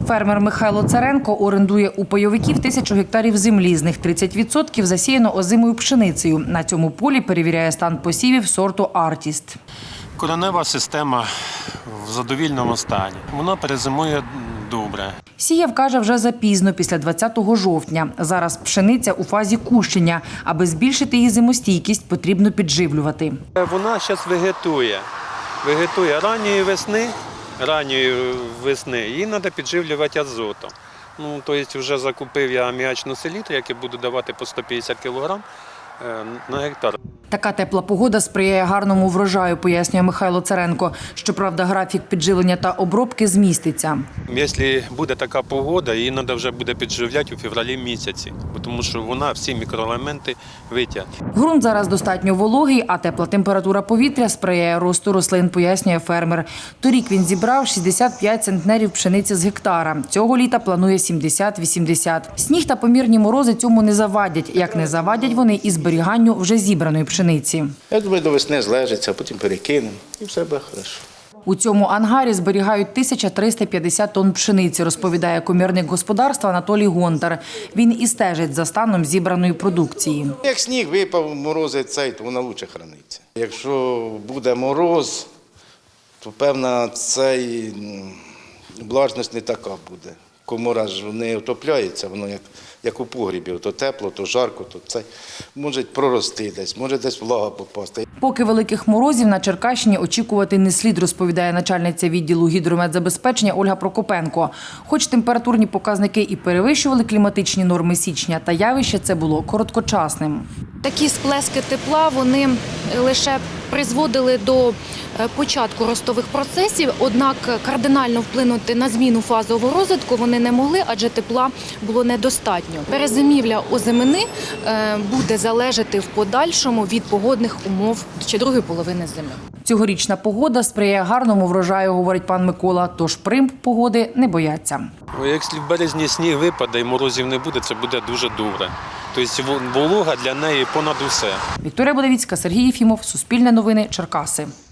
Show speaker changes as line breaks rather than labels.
Фермер Михайло Царенко орендує у пайовиків 1000 гектарів землі, з них 30% засіяно озимою пшеницею. На цьому полі перевіряє стан посівів сорту «Артіст».
Коренева система в задовільному стані. Вона перезимує добре.
Сіяв, каже, вже запізно, після 20 жовтня. Зараз пшениця у фазі кущення. Аби збільшити її зимостійкість, потрібно підживлювати.
Вона зараз вегетує ранньої весни. Її треба підживлювати азотом. Тобто вже закупив я аміачну селітру, яку буду давати по 150 кг на гектар.
Така тепла погода сприяє гарному врожаю, пояснює Михайло Царенко. Щоправда, графік підживлення та обробки зміститься.
Якщо буде така погода, її треба вже буде підживляти у февралі місяці, тому що вона всі мікроелементи витягне.
Ґрунт зараз достатньо вологий, а тепла температура повітря сприяє росту рослин, пояснює фермер. Торік він зібрав 65 центнерів пшениці з гектара. Цього літа планує 70-80. Сніг та помірні морози цьому не завадять. Як не завадять вони і зберіганню вже зібраної пшениці.
Я думаю, до весни злежиться, а потім перекинемо і все буде добре.
У цьому ангарі зберігають 1350 тонн пшениці, розповідає комірник господарства Анатолій Гонтар. Він і стежить за станом зібраної продукції.
Як сніг випав, морози то вона краще храниться. Якщо буде мороз, то певна влажність не така буде. Комора ж не отопляється, воно як у погрібі, то тепло, то жарко, то це може прорости десь, може десь влага попасти.
Поки великих морозів на Черкащині очікувати не слід, розповідає начальниця відділу гідрометзабезпечення Ольга Прокопенко. Хоч температурні показники і перевищували кліматичні норми січня, та явище це було короткочасним.
Такі сплески тепла, вони лише призводили до початку ростових процесів, однак кардинально вплинути на зміну фазового розвитку вони не могли, адже тепла було недостатньо. Перезимівля озимини буде залежати в подальшому від погодних умов ще другої половини зими.
Цьогорічна погода сприяє гарному врожаю, говорить пан Микола, тож примх погоди не бояться.
Якщо в березні сніг випаде і морозів не буде, це буде дуже добре. Тобто волога для неї понад усе.
Вікторія Будовіцька, Сергій Єфімов, Суспільне новини, Черкаси.